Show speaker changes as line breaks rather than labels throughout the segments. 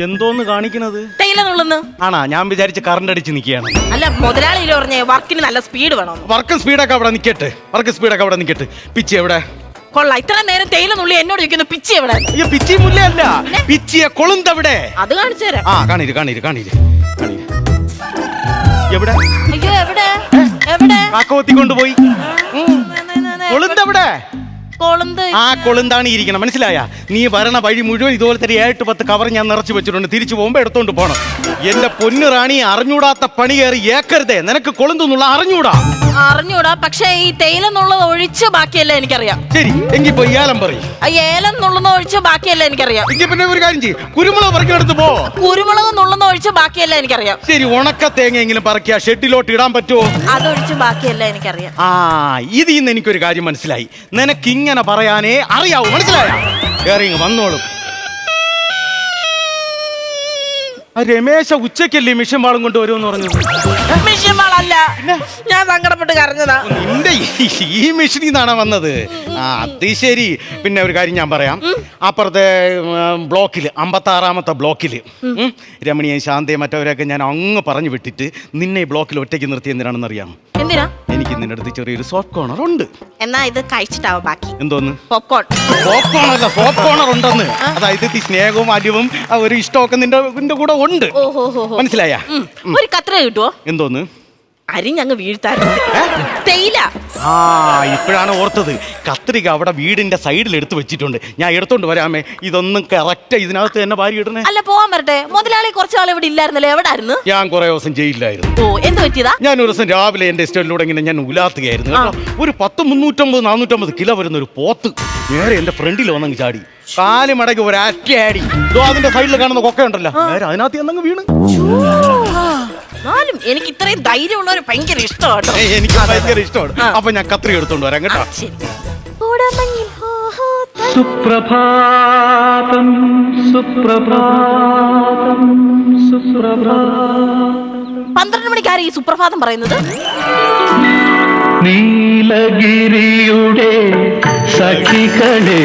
ഇതെന്തോന്ന് കാണിക്കുന്നത്?
തേയിലെന്നുള്ളന്ന്
ആണാ? ഞാൻ വിചാരിച്ച് കറണ്ട് അടിച്ച് നിൽക്കുകയാണ്.
അല്ല, മുതലാളി പറഞ്ഞേ വർക്കിന് നല്ല സ്പീഡ് വേണം.
വർക്ക് സ്പീഡൊക്കെ അവിടെ നിൽക്കട്ടെ, പിച്ചി എവിടെ?
കൊള്ളാം, ഇത്ര നേരം തേയിലെന്നുള്ളി എന്നോട് ചോദിക്കുന്നു പിച്ചി എവിടെ?
അയ്യോ, പിച്ചി മുല്ലയല്ല, പിച്ചിയെ കൊളുന്തവിടെ.
അത് കാണിച്ചു തരാം.
ആ, കാണീര്. എവിടെ?
അയ്യോ, എവിടെ എവിടെ?
കാക്കവത്തി കൊണ്ടുപോയി. കൊളുന്തവിടെ?
കൊളുന്ത്.
ആ കൊളുന്താണ് ഇരിക്കണം, മനസ്സിലായ? നീ വരണ വഴി മുഴുവൻ ഇതുപോലത്തെ 7-10 കവർ ഞാൻ നിറച്ചു വെച്ചിട്ടുണ്ട്. തിരിച്ചു പോകുമ്പോ എടുത്തോണ്ട് പോണം. എന്റെ പൊന്നു റാണി, അറിഞ്ഞൂടാത്ത പണി കയറി ഏക്കരുതേ. നിനക്ക് കൊളുന്തെന്നുള്ള
അറിഞ്ഞൂടാ, പക്ഷെ ഈ തേയിലെന്നുള്ളത് ഒഴിച്ച് ബാക്കിയല്ലേ എനിക്കറിയാം.
ശരി, എങ്കിൽ പോയി ഏലം പറയും.
ഏലം നുള്ളുന്ന ഒഴിച്ച് ബാക്കിയല്ലേ എനിക്കറിയാം.
എങ്കിൽ പിന്നെ ഒരു കാര്യം ചെയ്യും, കുരുമുളക് പറക്കിയെടുത്ത് പോ.
കുരുമുളക് നുള്ളുന്ന ഒഴിച്ച് ബാക്കിയല്ലേ എനിക്കറിയാം.
ശരി, ഉണക്ക തേങ്ങയെങ്കിലും പറക്കിയ ഷെഡിലോട്ട് ഇടാൻ പറ്റുമോ?
അതൊഴിച്ച് ബാക്കിയല്ലേ എനിക്കറിയാം.
ആ, ഇതിൽ നിന്ന് എനിക്കൊരു കാര്യം മനസ്സിലായി. നിനക്ക് ഇങ്ങനെ പറയാനേ അറിയാവൂ, മനസ്സിലായ? കേറി വന്നോളും. രമേശ ഉച്ചക്കല്ലേ മിഷൻ വാളും കൊണ്ട് വരുമെന്ന് പറഞ്ഞത്?
മിഷൻ വാളല്ല, ഞാൻ സങ്കടപ്പെട്ട് കരഞ്ഞതാ.
നിന്റെ ഈ മിഷനിൽ നിന്നാണ് വന്നത്? ആ, അത് ശരി. പിന്നെ ഒരു കാര്യം ഞാൻ പറയാം. അപ്പുറത്തെ ബ്ലോക്കിൽ 56-ാമത്തെ ബ്ലോക്കിൽ രമണിയെ ശാന്തയെ മറ്റവരെയൊക്കെ ഞാൻ അങ്ങ് പറഞ്ഞു വിട്ടിട്ട് നിന്നെ ഈ ബ്ലോക്കിൽ ഒറ്റയ്ക്ക് നിർത്തി എന്തിനാണെന്ന് അറിയാം?
എന്തിനാ?
എനിക്ക് നിന്റെ അടുത്ത് ചെറിയൊരു സോഫ്റ്റ് കോർണർ ഉണ്ട്.
എന്നാ ഇത് കഴിച്ചിട്ടാവും ബാക്കി.
എന്തോന്ന്?
പോപ്കോൺ.
പോപ്കോണല്ല, സോഫ്റ്റ് കോർണർ ഉണ്ടെന്ന്. അതായത് സ്നേഹവും അലിവും ഒരു ഇഷ്ടമൊക്കെ നിന്റെ കൂടെ ഉണ്ട്. മനസ്സിലായ?
ഒരു കത്ര കിട്ടുവോ?
എന്തോന്ന്?
അരിഞ്ഞങ്ങ് വീഴ്ത്താറുണ്ട്. തേയില.
ആ, ഇപ്പോഴാണ് ഓർത്തത്. കത്രിക അവിടെ വീടിന്റെ സൈഡിൽ എടുത്തു വെച്ചിട്ടുണ്ട്. ഞാൻ എടുത്തോണ്ട് വരാമേ. ഇതൊന്നും കറക്റ്റ് ഇതിനകത്ത് തന്നെ ഭാര്യ ഇടണേ.
അല്ല, പോവാൻ വരട്ടെ. മുതലാളി കുറച്ചു നാൾ ഇവിടെ ഇല്ലായിരുന്നല്ലോ, എവിടായിരുന്നു?
ഞാൻ കുറെ ദിവസം ജയിലിലായിരുന്നു.
ഓ, എന്ത് പറ്റിയതാ?
ഞാൻ ഒരു ദിവസം രാവിലെ എന്റെ എസ്റ്റേറ്റിലൂടെ ഇങ്ങനെ ഞാൻ ഉലാത്തുകയായിരുന്നു കേട്ടോ. ഒരു 350-450 കിലോ വരുന്ന ഒരു പോത്ത് നേരെ എന്റെ ഫ്രണ്ടിൽ വന്നങ്ങ് ചാടി. കാല് മടക്കി ഒരു അറ്റയാടി. അതിന്റെ സൈഡിൽ കാണുന്ന കൊക്ക ഉണ്ടല്ലോ, നേരെ അതിനകത്ത് എന്നങ്ങ് വീണ്.
എനിക്ക് ഇത്രയും ധൈര്യമുള്ളവര് ഭയങ്കര ഇഷ്ടമാണ്.
എനിക്ക് ഭയങ്കര ഇഷ്ടമാണ്. അപ്പൊ ഞാൻ കത്രി എടുത്തോണ്ട് വരാം കേട്ടോ. സുപ്രഭാതം സുപ്രഭാതം സുപ്രഭാതം.
12 മണിക്കാണ് ഈ സുപ്രഭാതം പറയുന്നത്.
നീലഗിരിയുടെ സഖികളെ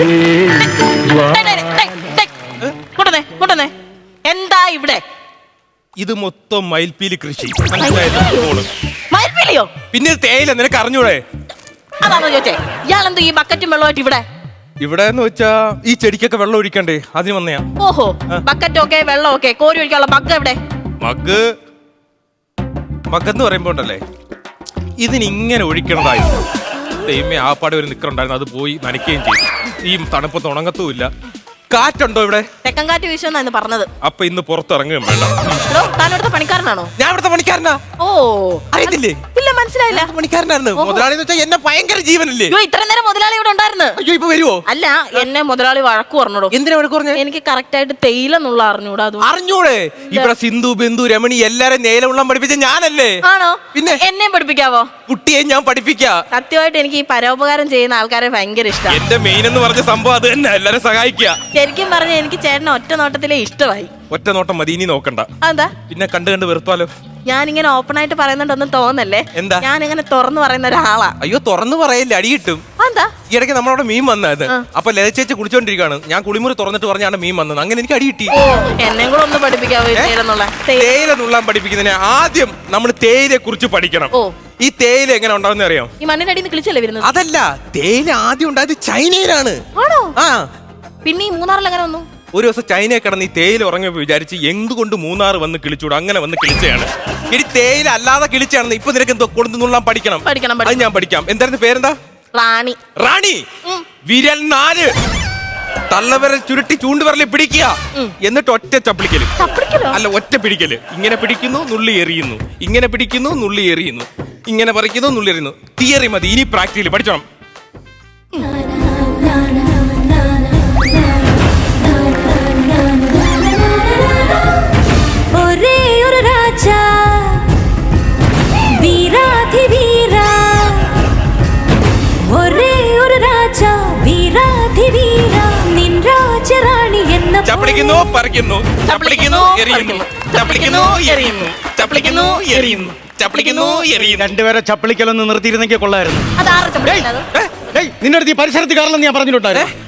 എന്താ ഇവിടെ?
ഇത് മൊത്തം മയിൽപ്പീലി കൃഷി.
മയിൽപ്പീലിയോ?
പിന്നെ തേയില നിനക്ക് അറിഞ്ഞൂടെ?
അതാണോ ചോദിച്ചേ? ഇയാളെന്തോ ഈ ബക്കറ്റും വെള്ളമായിട്ട് ഇവിടെ?
ഇവിടെ എന്ന് വെച്ചാ ഈ ചെടിക്കൊക്കെ വെള്ളം ഒഴിക്കണ്ടേ, അതിന് വന്നയാ.
ഓഹോ, ബക്കറ്റൊക്കെ വെള്ളമൊക്കെ കോരി ഒഴിക്കാനുള്ള മഗ് എവിടെ?
മഗ്ഗെന്ന് പറയുമ്പോ ഉണ്ടല്ലേ, ഇതിനിങ്ങനെ ഒഴിക്കണതായിരുന്നു. ദൈവമേ, ആപ്പാടെ ഒരു നിക്കറുണ്ടായിരുന്നു, അത് പോയി നനയ്ക്കുകയും ചെയ്തു. ഈ തണുപ്പത്ത് ഉണങ്ങത്തുമില്ല. കാറ്റുണ്ടോ ഇവിടെ?
തെക്കൻ കാറ്റ് വീശുന്നായിരുന്നു പറഞ്ഞത്.
അപ്പൊ ഇന്ന് പുറത്തിറങ്ങുകയും വേണ്ട.
താനോടത്തെ പണിക്കാരനാണോ?
ഞാൻ ഇവിടുത്തെ പണിക്കാരനാ.
ഓ,
അറിയത്തില്ലേ?
ഇല്ല, മനസ്സിലായില്ല.
പണിക്കാരനായിരുന്നു. മുതലാളി എന്ന് വെച്ചാൽ എന്നെ ഭയങ്കര ജീവനല്ലേ.
ഇത്ര നേരം മുതലാളി ഇവിടെ ഉണ്ടായിരുന്നു.
അയ്യോ, ഇപ്പൊ വരുവോ?
അല്ല, എന്നെ മുതലാളി വഴക്ക് പറഞ്ഞോടോ.
എന്തിനാ വഴക്ക് പറഞ്ഞ?
എനിക്ക് കറക്റ്റ് ആയിട്ട് തേയിലെന്നുള്ള അറിഞ്ഞൂടാ.
അറിഞ്ഞൂടെ? ഇവിടെ സിന്ധു, ബിന്ദു, രമണി എല്ലാരും നേലമുള്ള പഠിപ്പിച്ച ഞാനല്ലേ?
ആണോ?
പിന്നെ
എന്നെയും പഠിപ്പിക്കാവോ?
കുട്ടിയെ ഞാൻ പഠിപ്പിക്കാം.
സത്യമായിട്ട് എനിക്ക് ഈ പരോപകാരം ചെയ്യുന്ന ആൾക്കാരെ ഭയങ്കര ഇഷ്ടം.
എന്റെ മെയിൻ എന്ന് പറഞ്ഞ സംഭവം അത് തന്നെ, എല്ലാരും സഹായിക്കുക.
ശരിക്കും പറഞ്ഞ എനിക്ക് ചേട്ടനെ ഒറ്റ നോട്ടത്തിലെ ഇഷ്ടമായി.
ഒറ്റ നോട്ടം മതി, ഇനി നോക്കണ്ട.
എന്താ?
പിന്നെ കണ്ട് കണ്ട് വെറുത്താലോ?
ഞാനിങ്ങനെ ഓപ്പൺ ആയിട്ട് പറയുന്നുണ്ടൊന്നും തോന്നല്ലേ.
എന്താ?
ഞാനിങ്ങനെ തുറന്നു പറയുന്ന ഒരാളാ.
അയ്യോ, തുറന്നു പറയല്ലേ, അടി കിട്ടും.
എന്താ?
ഈ ഇടയ്ക്ക് നമ്മളവിടെ മീൻ വന്നത്. അപ്പൊ ലതച്ചേച്ചി കുളിച്ചോണ്ടിരിക്കാണ്. ഞാൻ കുളിമുറി തുറന്നിട്ട് പറഞ്ഞാണ് മീൻ വന്നത്. അങ്ങനെ എനിക്ക് അടി കിട്ടി.
എന്നെ കൂടെ ഒന്ന് പഠിപ്പിക്കാവോ?
തേയില നുള്ളാൻ പഠിപ്പിക്കുന്നതിന് ആദ്യം നമ്മൾ തേയിലയെ കുറിച്ച് പഠിക്കണം. ഈ തേയില എങ്ങനെ ഉണ്ടാവുന്ന അറിയാം?
ഈ മണ്ണിന്റെ അടിയിൽ നിന്ന് കിളിച്ചല്ലേ വരുന്നത്?
അതല്ല, തേയില ആദ്യം ഉണ്ടായത് ചൈനയിലാണ്. ആ,
പിന്നെ ഈ മൂന്നാറിൽ എങ്ങനെ വന്നു?
ഒരു ദിവസം ചൈനയെ കിടന്ന് ഈ തേയില ഉറങ്ങിയപ്പോൾ വിചാരിച്ച് എന്തുകൊണ്ട് മൂന്നാർ വന്ന് കിളിച്ചൂടും, അങ്ങനെ വന്ന് കിളിച്ചയാണ്. ഇനി തേയില അല്ലാതെ കിളിച്ചാണെന്ന് ഇപ്പൊ നിനക്ക് എന്തോ കൊടുത്തു നുള്ളാൻ പഠിക്കണം. അത് ഞാൻ പഠിക്കാം. എന്തായിരുന്നു പേരെന്താ?
റാണി.
റാണി. വിരൽ 4 തള്ളവരൽ ചുരുട്ടി ചൂണ്ടുവരലിൽ പിടിക്കുക, എന്നിട്ട് ഒറ്റ ചപ്പിളിക്കല്. അല്ല, ഒറ്റ പിടിക്കല്. ഇങ്ങനെ പിടിക്കുന്നു, നുള്ളി എറിയുന്നു. ഇങ്ങനെ പിടിക്കുന്നു, നുള്ളി എറിയുന്നു. ഇങ്ങനെ പറിക്കുന്നു, നുള്ളി എറിയുന്നു. തിയറി മതി, ഇനി പ്രാക്ടിക്കലി പഠിച്ചോണം. ചപ്പിളിക്കുന്നു, പറിക്കുന്നു, ചപ്പിളിക്കുന്നു, എറിയുന്നു, ചപ്പിളിക്കുന്നു, എറിയുന്നു, ചപ്പിളിക്കുന്നു, എറിയുന്നു, ചപ്പിളിക്കുന്നു, എറിയുന്നു.
രണ്ടുപേരെ ചപ്പിളിക്കലൊന്ന് നിർത്തിയിരുന്നെങ്കിൽ കൊള്ളായിരുന്നു. നിന്റെ അടുത്ത് ഈ പരിസരത്ത് കാരണം ഞാൻ പറഞ്ഞിട്ടുണ്ടായിരുന്നു.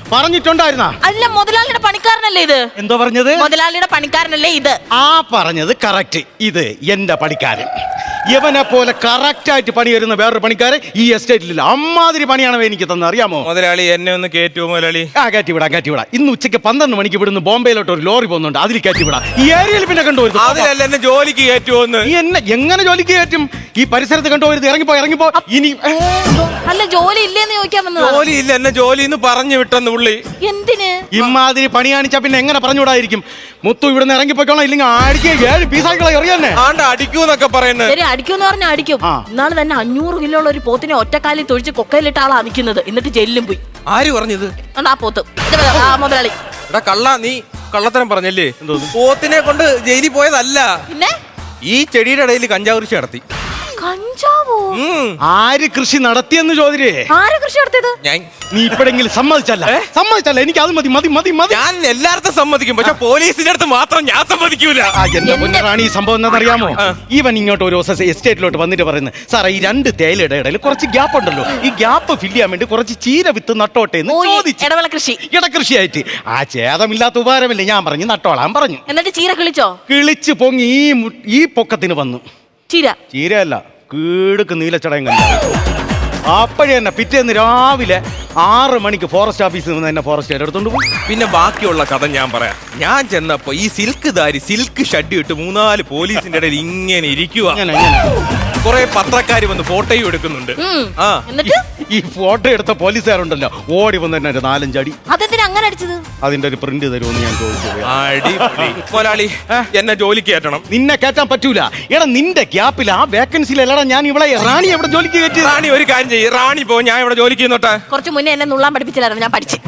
പറഞ്ഞിട്ടുണ്ടായിരുന്ന?
അല്ല, മുതലാളിയുടെ പണിക്കാരനല്ലേ ഇത്?
എന്തോ പറഞ്ഞത്?
മുതലാളിയുടെ പണിക്കാരനല്ലേ ഇത്?
ആ പറഞ്ഞത് കറക്റ്റ്. ഇത് എന്റെ പണിക്കാരൻ. ഇവനെ പോലെ കറക്റ്റ് ആയിട്ട് പണി വരുന്ന വേറൊരു പണിക്കാരൻ ഈ എസ്റ്റേറ്റിലില്ല. അമ്മാതിരി പണിയാണ് എനിക്ക് തന്നെ, അറിയാമോ?
മുതലാളി എന്നെ ഒന്ന് കയറ്റുമോ മുതലാളി?
കയറ്റിവിടാം. ഇന്ന് ഉച്ചയ്ക്ക് 12 മണിക്ക് ഇവിടുന്ന് ബോംബെയിലോട്ട് ഒരു ലോറി പോകുന്നുണ്ട്, അതിൽ കയറ്റിവിടാം. ഈ ഏരിയയിൽ പിന്നെ കണ്ടുപോരുത്.
അതിലല്ല എന്നെ ജോലിക്ക് കയറ്റുമോന്ന്.
നീ എന്നെ എങ്ങനെ ജോലിക്ക് കയറ്റും? ഈ പരിസരത്ത് കണ്ടുപോരുത്. ഇറങ്ങിപ്പോ ഇനി.
അല്ല, ജോലി ഇല്ലേന്ന് ചോദിക്കാൻ വന്നത്.
ജോലി ഇല്ല, എന്നെ ജോലി എന്ന് പറഞ്ഞു വിട്ടെന്ന് പുള്ളി.
എന്തിന്?
ഇമാതിരി പണി കാണിച്ചാ പിന്നെ എങ്ങനെ പറഞ്ഞുകൂടായിരിക്കും? മുത്തു ഇവിടുന്ന് ഇറങ്ങിപ്പോയിക്കോളാം, ഇല്ലെങ്കിൽ അടിക്കുക 7 പീസാക്കളെ എറിയാന്നെ.
ആണ്ട് അടിക്കൂന്നൊക്കെ പറയുന്നത്.
ശരി, അടിക്കുമെന്ന് പറഞ്ഞാൽ അടിക്കും. ഇന്നാള് തന്നെ 500 കിലോ ഉള്ള ഒരു പോത്തിനെ ഒറ്റക്കാലിൽ തൊഴിച്ച് കൊക്കയിലിട്ട ആളാ നിൽക്കുന്നത്. എന്നിട്ട് ജയിലിലും പോയി.
ആര് പറഞ്ഞത്?
ആ പോത്ത് മുതലാളി.
എടാ കള്ള, നീ കള്ളത്തരം പറഞ്ഞല്ലേ? പോത്തിനെ കൊണ്ട് ജയിലിൽ പോയതല്ല,
പിന്നെ
ഈ ചെടിയുടെ ഇടയിൽ കഞ്ചാവ് കൃഷി നടത്തി.
കഞ്ചാവോ?
ആര് കൃഷി നടത്തിയെന്ന് ചോദിച്ചേ.
ആര് കൃഷി നടത്തിയത്?
ഞാൻ.
നീ ഇപ്പോഴെങ്കിലും സമ്മതിച്ചല്ല? എനിക്ക് അത് മതി.
ഞാൻ എല്ലായിടത്തും സമ്മതിക്കും, പക്ഷെ പോലീസിന്റെ അടുത്ത് മാത്രം ഞാൻ സമ്മതിക്കൂല.
എന്റെ പൊന്നറാണി, ഈ സംഭവം എന്താണെന്നറിയാമോ? ഇവൻ ഇങ്ങോട്ട് ഒരു ദിവസം എസ്റ്റേറ്റിലോട്ട് വന്നിട്ട് പറയുന്നത്, സാറേ ഈ 2 തേയിലയുടെ ഇടയിൽ കുറച്ച് ഗ്യാപ്പ് ഉണ്ടല്ലോ, ഈ ഗ്യാപ്പ് ഫില്ല് ചെയ്യാൻ വേണ്ടി കുറച്ച് ചീര വിത്ത് നട്ടോട്ടെ എന്ന് ചോദിച്ചു. ഇടകൃഷിയായിട്ട്. ആ ഛേദമില്ലാത്ത ഉപകാരമില്ലേ? ഞാൻ പറഞ്ഞു നട്ടോളാൻ പറഞ്ഞു.
എന്നിട്ട് ചീര കിളിച്ചോ?
കിളിച്ച് പൊങ്ങി ഈ പൊക്കത്തിന് വന്നു. ചീരയല്ല, കീടുക്ക് നീലച്ചടയം കണ്ട. അപ്പോഴേ തന്നെ പിറ്റേന്ന് രാവിലെ 6 മണിക്ക് ഫോറസ്റ്റ് ഓഫീസിൽ നിന്ന് എന്നെ ഫോറസ്റ്റ് എടുത്തോണ്ട് പോയി.
പിന്നെ ബാക്കിയുള്ള കഥ ഞാൻ പറയാം. ഞാൻ ചെന്നപ്പോ ഈ സിൽക്ക് ഷഡ് ഇട്ട് 3-4 പോലീസിന്റെ ഇടയിൽ ഇങ്ങനെ ഇരിക്കുക. കുറെ പത്രക്കാര് വന്ന് ഫോട്ടോയും എടുക്കുന്നുണ്ട്. ഈ ഫോട്ടോ എടുത്ത പോലീസുകാരുണ്ടല്ലോ, ഓടി വന്ന് തന്നെ 4-5 അടി.
അതെന്തിനാ അങ്ങനെ അടിച്ചത്?
അതിന്റെ ഒരു പ്രിന്റ് തരുമെന്ന് ഞാൻ ചോദിച്ചു.
മുതലാളി എന്നെ ജോലിക്ക് കയറ്റണം.
നിന്നെ കയറ്റാൻ പറ്റൂല. എടാ നിന്റെ ഗ്യാപ്പിൽ ആ വേക്കൻസിയിലല്ലടാ ഞാൻ ഇവിടെ റാണി എവിടെ ജോലിക്ക് കയറ്റി.
റാണി ഒരു കാര്യം ചെയ്യും, റാണി പോ, ഞാൻ ഇവിടെ ജോലിക്ക് ചെയ്യുന്നോട്ടെ.
കുറച്ച് മുന്നേ എന്നെ നുള്ളാൻ പഠിപ്പിച്ചില്ലായിരുന്നു, ഞാൻ പഠിച്ചു.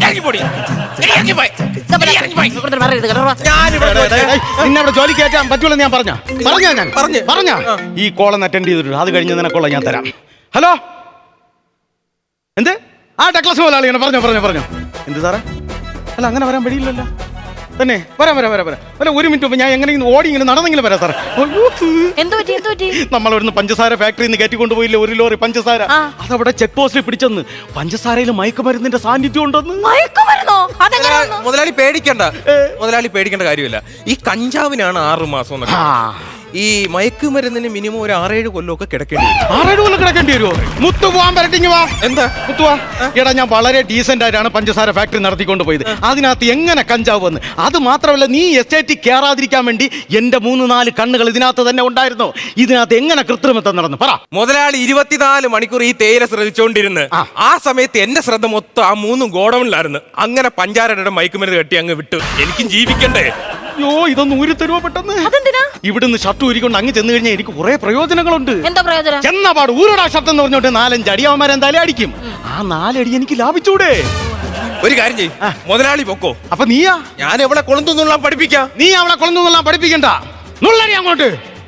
നിന്നെ അവിടെ ജോലി കയറ്റാൻ പറ്റൂല ഞാൻ പറഞ്ഞ ഈ കോളൊന്ന് അറ്റൻഡ് ചെയ്തിട്ടുണ്ട്. അത് കഴിഞ്ഞ് നിനക്കുള്ള ഞാൻ തരാം. ഹലോ, എന്ത്? ആ ടെക്ലസ് മുതലാളിയാണ്. പറഞ്ഞോ. എന്ത് സാറേ? അല്ല, അങ്ങനെ വരാൻ വഴിയില്ലല്ലോ. തന്നെ വരാം. അല്ല, 1 മിനിറ്റ് മുമ്പ് ഞാൻ എങ്ങനെയെങ്കിലും ഓടി ഇങ്ങനെ നടന്നെങ്കിലും വരാം സാറേ. നമ്മളിവിടുന്ന് പഞ്ചസാര ഫാക്ടറിയിൽ നിന്ന് കയറ്റിക്കൊണ്ടുപോയില്ലേ 1 ലോറി പഞ്ചസാര. അതവിടെ ചെക്ക് പോസ്റ്റിൽ പിടിച്ചെന്ന് പഞ്ചസാരയിൽ മയക്കുമരുന്നിന്റെ സാന്നിധ്യം ഉണ്ടെന്ന്.
മുതലാളി പേടിക്കേണ്ട കാര്യമില്ല. ഈ കഞ്ചാവിനാണ് 6 മാസം എന്നൊക്കെ. ഈ മയക്കുമരുന്നിന് മിനിമം ഒരു 6-7 കൊല്ലമൊക്കെ കിടക്കേണ്ടി വരും.
6-7 കൊല്ലം കിടക്കേണ്ടി വരുമോ? മുത്തു പോവാൻ പരട്ടിങ് വാ.
എന്താ
മുത്തു വാ. എടാ, ഞാൻ വളരെ ഡീസന്റ് ആയിട്ടാണ് പഞ്ചസാര ഫാക്ടറി നടത്തിക്കൊണ്ട് പോയത്. അതിനകത്ത് എങ്ങനെ കഞ്ചാവ് വന്ന്? അത് മാത്രമല്ല, നീ എസ്റ്റേറ്റിൽ കയറാതിരിക്കാൻ വേണ്ടി എന്റെ 3-4 കണ്ണുകൾ ഇതിനകത്ത് തന്നെ ഉണ്ടായിരുന്നു. ഇതിനകത്ത് എങ്ങനെ കൃത്രിമത്വം നടന്നു പറ.
മുതലാളി 24 മണിക്കൂർ ഈ തേയില ശ്രദ്ധിച്ചോണ്ടിരുന്ന് ആ സമയത്ത് എന്റെ ശ്രദ്ധ മൊത്തം ആ 3 ഗോഡൌണിലായിരുന്നു. അങ്ങനെ പഞ്ചാരയുടെ മയക്കുമരുന്ന് കെട്ടി അങ്ങ് വിട്ടു. എനിക്കും ജീവിക്കണ്ടേ?
അയ്യോ, ഇതൊന്നും ഊരി തരുമോ പെട്ടെന്ന്? ഇവിടുന്ന് ഷർട്ട് ഊരിക്കൊണ്ട് അങ്ങ് ചെന്ന് കഴിഞ്ഞാൽ എനിക്ക് കുറെ പ്രയോജനങ്ങളുണ്ട്.
എന്താ പ്രയോജനം?
ചെന്നപാട് ഊരടാ ഷർട്ട് എന്ന് പറഞ്ഞോട്ട് 4-5 അടി അവന്മാരെന്തായാലും അടിക്കും. ആ 4 അടി എനിക്ക് ലാഭിച്ചൂടെ?
ഒരു കാര്യം ചെയ്യും, മുതലാളി പൊക്കോ.
അപ്പൊ നീയാ?
ഞാൻ എവിടെ കൊളുന്തുന്നുള്ള പഠിപ്പിക്കാം.
നീ അവിടെ കൊളുന്തുന്നുള്ള പഠിപ്പിക്കണ്ട. നുള്ളടി അങ്ങോട്ട്.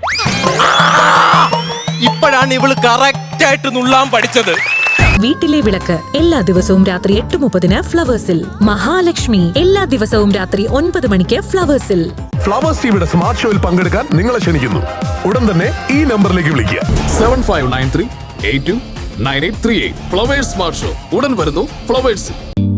ഇപ്പോഴാണ് ഇവള് കറക്റ്റ് ആയിട്ട് നുള്ളാൻ പഠിച്ചത്.
വീട്ടിലെ വിളക്ക് എല്ലാ ദിവസവും രാത്രി 8:30 ഫ്ലവേഴ്സിൽ. മഹാലക്ഷ്മി എല്ലാ ദിവസവും രാത്രി 9 മണിക്ക് ഫ്ലവേഴ്സിൽ.
ഫ്ലവേഴ്സ് ടിവിയുടെ സ്മാർട്ട് ഷോയിൽ പങ്കെടുക്കാൻ നിങ്ങളെ ക്ഷണിക്കുന്നു. ഉടൻ തന്നെ ഈ നമ്പറിലേക്ക് വിളിക്കുക.
7593829838. ഫ്ലവേഴ്സ് സ്മാർട്ട് ഷോ ഉടൻ വരുന്നു ഫ്ലവേഴ്സിൽ.